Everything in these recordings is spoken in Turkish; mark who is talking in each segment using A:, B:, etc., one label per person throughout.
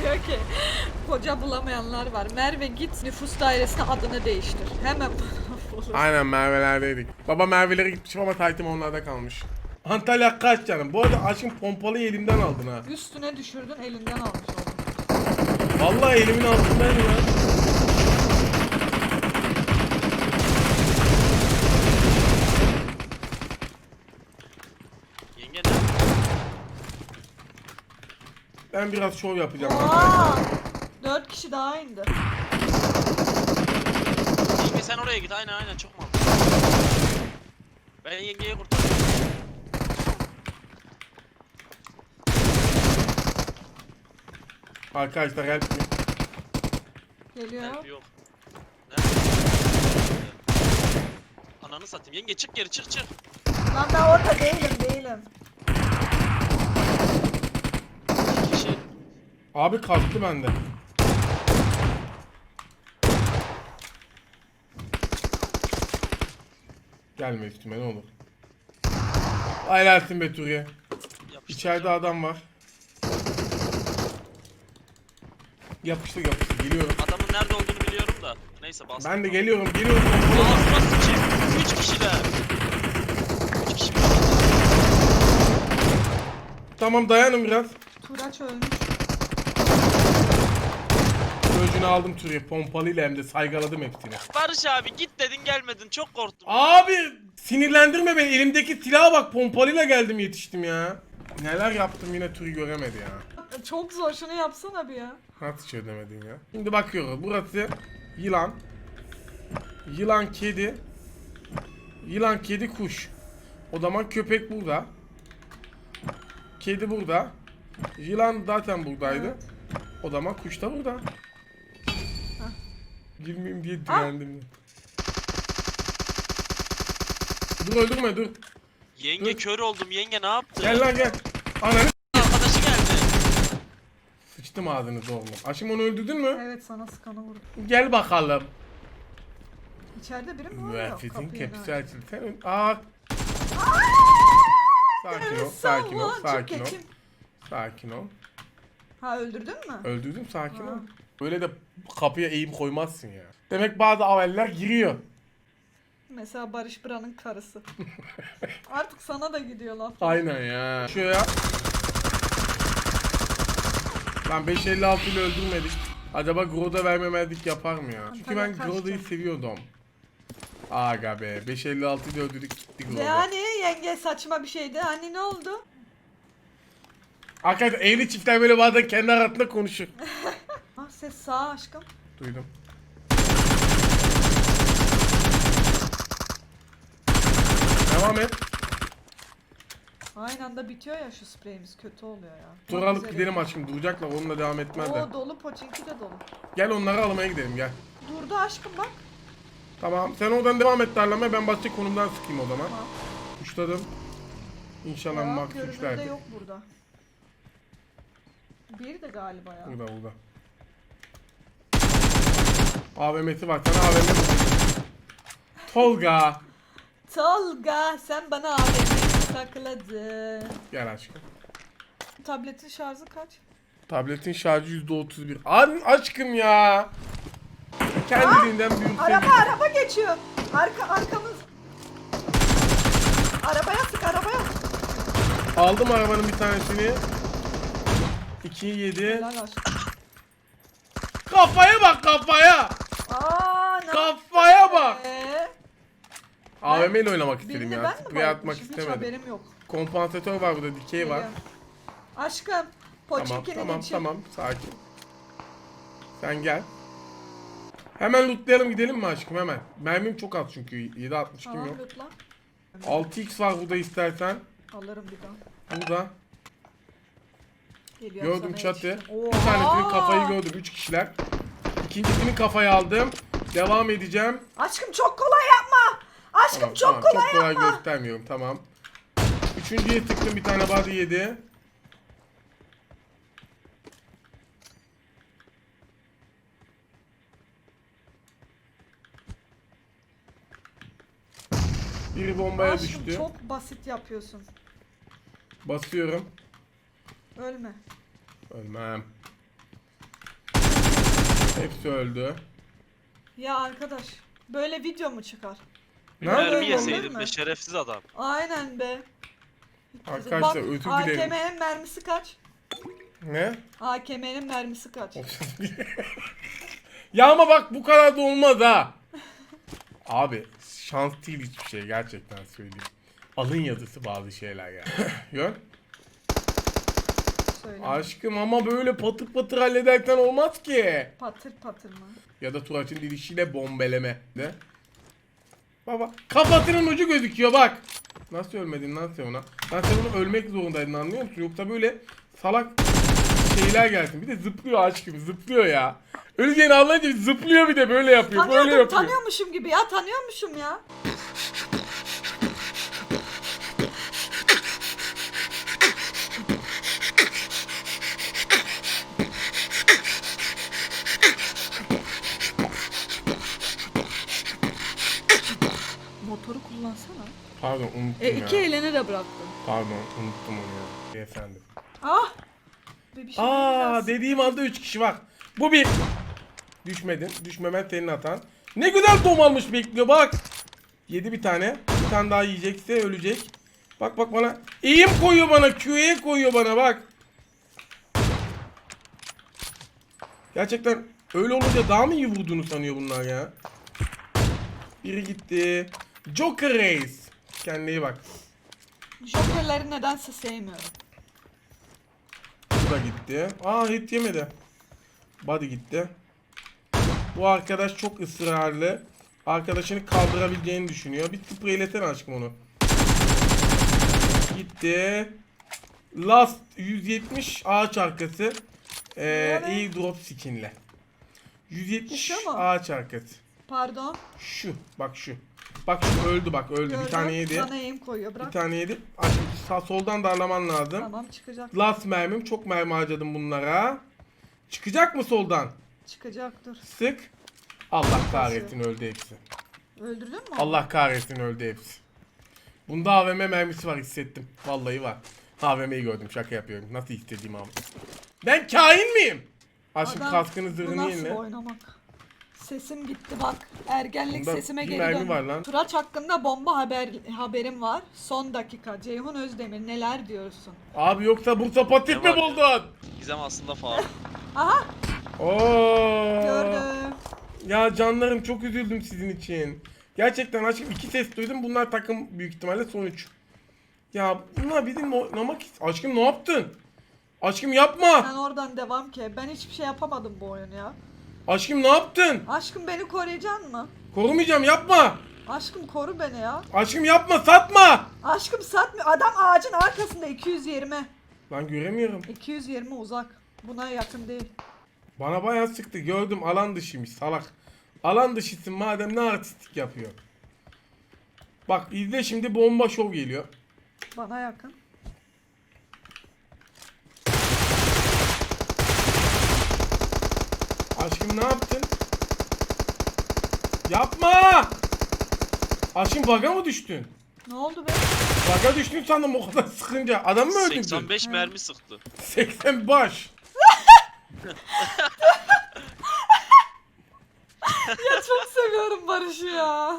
A: Diyor ki koca bulamayanlar var. Merve git nüfus dairesine adını değiştir. Hemen bulur.
B: Aynen Merve'lerdeydik. Baba Merve'lere gitmiş ama Taytim onlarda kalmış. Antalya kaç canım? Bu arada aşkım pompalıyı elimden aldın ha.
A: Üstüne düşürdün elinden almış oldun.
B: Vallahi elimin altındaydı lan.
C: Yenge ne?
B: Ben biraz şov yapacağım.
A: Aa! 4 kişi daha indi.
C: Yenge sen oraya git. Aynen çok mantıklı. Ben yengeyi kurtarıyorum.
B: Arkadaşlar help me.
A: Geliyor.
C: Nerede yok. Nerede? Ananı satayım. Yenge çık geri çık.
A: Lan ben orada değilim.
C: İki kişi.
B: Abi kalktı bende. Gelme üstüme ne olur. Helalsin be Turiye.
C: Yapıştır.
B: İçeride adam var. Yapıştır geliyorum.
C: Adamın nerede olduğunu biliyorum da. Neyse bastım.
B: Ben de geliyorum.
C: Ağzıma sıçayım. 3 kişiler. 3 kişi mi?
B: Tamam dayanın biraz.
A: Turaç ölmüş.
B: Gözünü aldım Turiye pompalıyla hem de saygaladım hepsini.
C: Barış abi git dedin gelmedin. Çok korktum.
B: Abi sinirlendirme beni, elimdeki silaha bak, pompalıyla geldim yetiştim ya. Neler yaptım yine Turi göremedi ya.
A: Çok zor, şunu yapsana bir ya.
B: Nasıl çözemedin ya? Şimdi bakıyoruz, burası yılan. Yılan kedi. Yılan kedi kuş. O zaman köpek burada. Kedi burada. Yılan zaten buradaydı.
A: Evet.
B: O zaman kuş da burada. Girmeyeyim diye direndim. Dur öldürme dur.
C: Yenge
B: Dur.
C: kör oldum. Yenge ne yaptı?
B: Gel lan gel. Ananı
C: Arkadaşı geldi.
B: sıçtım ağzını zorla. Aşım onu öldürdün mü?
A: Evet, sana sıkanı vurdu.
B: Gel bakalım.
A: İçeride biri mi var? Yok,
B: Müeffisin
A: kapıyı
B: kapısı
A: da-
B: açıldı. Sen sakin ol, sakin ol,
A: Salla,
B: sakin ol.
A: çok keçim.
B: Sakin ol.
A: Ha, öldürdün mü?
B: Öldürdüm, sakin
A: Ha.
B: ol. Böyle de kapıya eğim koymazsın ya. Demek bazı aveller giriyor.
A: Mesela Barış Bıra'nın karısı. Artık sana da gidiyor laf.
B: Aynen ya. Şuraya. Lan 556 ile öldürmedik. Acaba Groda vermemezlik yapar mı ya? Çünkü ben
A: Antalya
B: Groda'yı
A: kaçtı.
B: seviyordum. Aga be 556 ile öldürdük gitti Groda.
A: Yani yenge saçma bir şeydi. Hani ne oldu?
B: Arkadaşlar evli çiftler böyle bazen kendi arasında konuşur.
A: Ah, ses sağ aşkım.
B: Duydum. Devam et.
A: Aynı anda bitiyor ya şu spreyimiz, kötü oluyor ya.
B: Sonra alıp gidelim aşkım, duracaklar onunla devam etmezler.
A: Oo, dolu, Pochinki de dolu.
B: Gel onları almaya gidelim gel.
A: Durdu aşkım bak.
B: Tamam sen oradan devam et darlamaya, ben başka konumdan sıkayım o zaman.
A: Tamam.
B: Uçladım. İnşallah
A: Ya,
B: max
A: görünürde
B: uçlardı.
A: yok burada. Bir de galiba ya.
B: Burada. AVM'si var, sana AVM bulacağım. Tolga.
A: Tolga, sen bana AVM'yi sakladın.
B: Gel aşkım.
A: Tabletin şarjı kaç?
B: Tabletin şarjı %31. Aşkım ya. Kendiliğinden büyük.
A: Araba geçiyor. Arkamız. Arabaya sık, arabaya.
B: Aldım arabanın bir tanesini. 2'yi 7.
A: Helal aşkım.
B: Kafaya bak kafaya.
A: Aa, ne
B: Kafaya
A: yaptın
B: bak.
A: be?
B: AVM ile oynamak istedim
A: Birini
B: ya.
A: ben mi
B: Sprey atmak
A: bayıltmışım? Hiç
B: istemedim.
A: haberim yok.
B: Kompansatör var burada, dikey var.
A: Geliyorum. Aşkım,
B: Tamam
A: Pochinki'ni
B: tamam
A: geçir.
B: tamam sakin. Sen gel. Hemen lootlayalım gidelim mi aşkım hemen. Mermim çok az çünkü 7.62
A: Tamam,
B: yok.
A: lütfen.
B: 6x var burada istersen.
A: Alırım bir daha.
B: Burada.
A: Geliyorum
B: Gördüm
A: sana
B: çatı.
A: yetiştim.
B: Bir tanesinin
A: Oha!
B: kafayı gördüm. 3 kişiler. İkincisini kafayı aldım. Devam edeceğim.
A: Aşkım çok kolay yapma. Aşkım
B: Tamam,
A: çok
B: tamam.
A: kolay
B: Çok kolay
A: yapma.
B: göstermiyorum. Tamam. Üçüncüye sıktım, bir tane body yedi. Biri bombaya
A: Aşkım
B: düştü.
A: çok basit yapıyorsun.
B: Basıyorum.
A: Ölme.
B: Ölmem. Hepsi öldü.
A: Ya arkadaş böyle video mu çıkar?
B: Ne
C: Mermi
A: Böyle olur
C: yeseydin
A: mu?
C: be şerefsiz adam.
A: Aynen be.
B: Arkadaşlar
A: Bak
B: özür dilerim.
A: AKM'nin mermisi kaç?
B: Ne?
A: AKM'nin mermisi kaç?
B: Ya ama bak bu kadar da olmaz ha. Abi şans değil hiçbir şey gerçekten söyleyeyim. Alın yazısı bazı şeyler ya. Gör.
A: Söyle.
B: Aşkım ama böyle patır patır hallederken olmaz ki.
A: Patır patır mı?
B: Ya da Turaç'ın dilişiyle bombeleme. Ne? Baba kafasının ucu gözüküyor bak. Nasıl ölmedin lan sen ona? Lan sen onu ölmek zorundaydın anlıyor musun? Yoksa böyle salak şeyler gelsin. Bir de zıplıyor aşkım zıplıyor ya. Öleceğini anlayınca zıplıyor bir de böyle yapıyor. Böyle yapıyor.
A: Tanıyormuşum gibi ya tanıyormuşum ya. Motoru kullansana.
B: Pardon unuttum
A: İki
B: ya.
A: elini de bıraktın.
B: Pardon unuttum onu ya. Efendim.
A: Ah! Bir şey biraz-
B: Dediğim anda 3 kişi bak. Bu bir. Düşmedin. Düşmemen senin hatan. Ne güzel dom almış bekliyor bak. Yedi bir tane. Bir tane daha yiyecekse ölecek. Bak bak bana. Eğim koyuyor bana. Q'ye koyuyor bana bak. Gerçekten öyle olunca daha mı iyi vurduğunu sanıyor bunlar ya. Biri gitti. Joker Race. Kendine iyi bak.
A: Jokerleri nedense sevmiyorum.
B: Bu da gitti. Hit yemedi. Body gitti. Bu arkadaş çok ısrarlı. Arkadaşını kaldırabileceğini düşünüyor. Bir spreylesene aşkım onu. Gitti. Last 170 ağaç arkası. Airdrop skinle. 170
A: Şu mu?
B: ağaç arkası.
A: Pardon.
B: Şu. Bak şu. Bak şu öldü bak öldü.
A: Gördüm.
B: Bir tane yedi.
A: Bana eğim koyuyor. Bırak.
B: Bir tane yedi. Aşkım soldan darlaman lazım.
A: Tamam çıkacak.
B: Last mermim. Çok mermi harcadım bunlara. Çıkacak mı soldan?
A: Çıkacak dur.
B: Sık. Allah kahretsin öldü hepsi.
A: Öldürdün mü? onu?
B: Allah kahretsin öldü hepsi. Bunda AVM mermisi var hissettim. Vallahi var. AVM'yi gördüm şaka yapıyorum. Nasıl istediğim abi. Ben kain miyim? Aşkım
A: Adam,
B: kaskını
A: bu
B: zırhını
A: nasıl
B: yenile.
A: oynamak? Sesim gitti bak. Ergenlik
B: Bunda
A: sesime
B: bir
A: geri
B: mermi
A: döndüm.
B: var lan.
A: Turaç hakkında bomba haberim var. Son dakika. Ceyhun Özdemir neler diyorsun?
B: Abi yoksa Bursa Patik
C: Ne
B: mi
C: var ya?
B: buldun?
C: Gizem aslında faal.
A: Aha
B: Oo.
A: gördüm.
B: Ya canlarım çok üzüldüm sizin için. Gerçekten aşkım 2 ses duydum. Bunlar takım büyük ihtimalle sonuç. Ya bunlar bizim oynamak aşkım ne yaptın? Aşkım yapma.
A: Sen oradan devam ki. Ben hiçbir şey yapamadım bu oyunu ya.
B: Aşkım ne yaptın?
A: Aşkım beni koruyacaksın mı?
B: Korumayacağım yapma.
A: Aşkım koru beni ya.
B: Aşkım yapma satma.
A: Aşkım satmıyor. Adam ağacın arkasında 220.
B: Ben göremiyorum.
A: 220 uzak. Buna yakın değil.
B: Bana bayağı sıktı gördüm alan dışıymış salak. Alan dışısın madem ne artistik yapıyor. Bak izle şimdi bomba şov geliyor.
A: Bana yakın.
B: Aşkım ne yaptın? Yapma! Aşkım baga mı düştün?
A: Ne oldu be?
B: Baga düştün sandım o kadar sıkınca. Adam mı öldürdün?
C: 85 mermi sıktı.
B: 80 baş.
A: Ya çok seviyorum Barış'ı ya.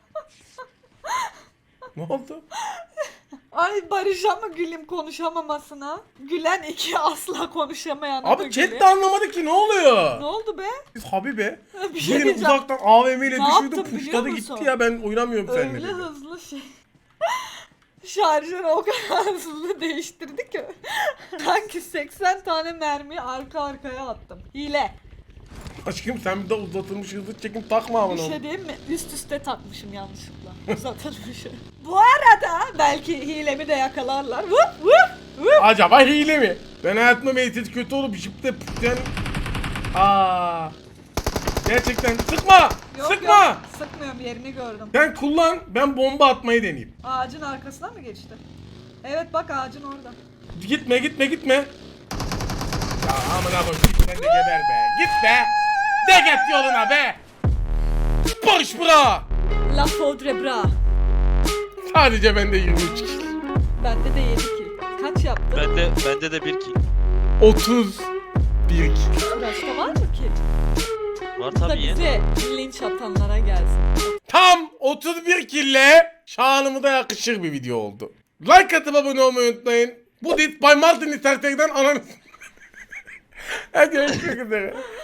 B: Ne oldu?
A: Ay Barış'a mı gülüm konuşamamasına? Gülen iki asla konuşamayan.
B: Abi chat de anlamadı ki ne oluyor?
A: Ne oldu be?
B: Biz Habibe.
A: Bir şey
B: Yine
A: diyeceğim.
B: uzaktan AVM ile
A: Ne
B: düşürdü
A: yaptın biliyor
B: puşladı
A: musun?
B: gitti ya ben oynamıyorum seninle
A: Öyle
B: dedi.
A: hızlı şey. Şarjörü o kadar hızlı değiştirdi ki. Sanki 80 tane mermi arka arkaya attım. Hile.
B: Aşkım sen bir de uzatılmış hızlı çekim takma ama
A: Bir
B: onu.
A: şey diyeyim mi? Üst üste takmışım yanlışlıkla. Uzatılmışı. Bu arada belki hilemi de yakalarlar. Vup vup vup.
B: Acaba hile mi? Ben hayatımda meysiz kötü olup jipte pütten... Gerçekten sıkma!
A: Yok
B: Sıkma!
A: yok sıkmıyorum yerini gördüm.
B: Sen kullan ben bomba atmayı deneyeyim.
A: Ağacın arkasına mı geçti? Evet bak ağacın orada.
B: Gitme gitme gitme. Ya amına koyayım git sen de geber be. Git be. De git yoluna be. Barış bra.
A: La Faudre Bra.
B: Sadece bende 23 kişi.
A: Bende de 7 kill. Kaç yaptın?
C: Bende de bir ki.
B: 31 kişi.
A: Başka var mı ki?
C: Var
A: Bu da
C: tabii
A: bize linç atanlara gelsin.
B: Tam 31 kille şanımıza yakışır bir video oldu. Like atıp abone olmayı unutmayın. Bu dit Bay Martin İstersek'den ananı... Hadi görüşmek üzere.